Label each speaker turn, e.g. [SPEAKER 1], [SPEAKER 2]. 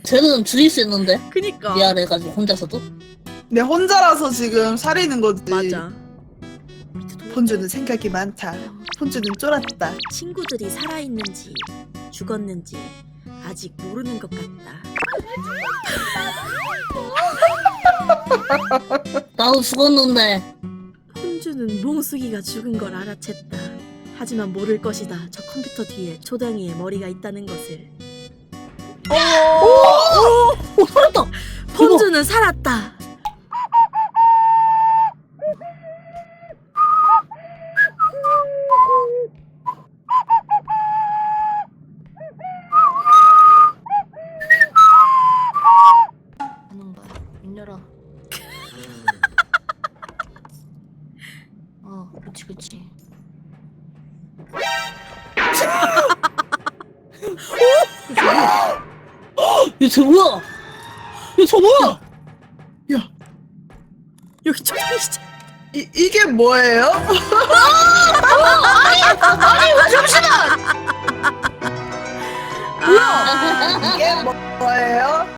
[SPEAKER 1] 쟤는 죽일 수 있는데
[SPEAKER 2] 그니까.
[SPEAKER 1] 미안해가지고 혼자서도.
[SPEAKER 3] 내 혼자라서 지금 살리는 거지.
[SPEAKER 2] 맞아.
[SPEAKER 3] 폰주는 생각이 많다. 폰주는 쫄았다.
[SPEAKER 2] 친구들이 살아있는지 죽었는지 아직 모르는 것 같다.
[SPEAKER 1] 나도 죽었는데.
[SPEAKER 2] 혼주는 몽숙이가 죽은 걸 알아챘다. 하지만 모를 것이다. 저 컴퓨터 뒤에 초당이의 머리가 있다는 것을.
[SPEAKER 1] 오 살았다.
[SPEAKER 2] 혼주는 살았다.
[SPEAKER 1] 하는 거야. 문 열어. 그치 그치. 얘쟤 뭐야? 얘저 뭐야?
[SPEAKER 3] 야,
[SPEAKER 2] 여기 초당이 진짜.
[SPEAKER 3] 이게 뭐예요?
[SPEAKER 1] 아니 잠시만.
[SPEAKER 3] 이게 뭐예요?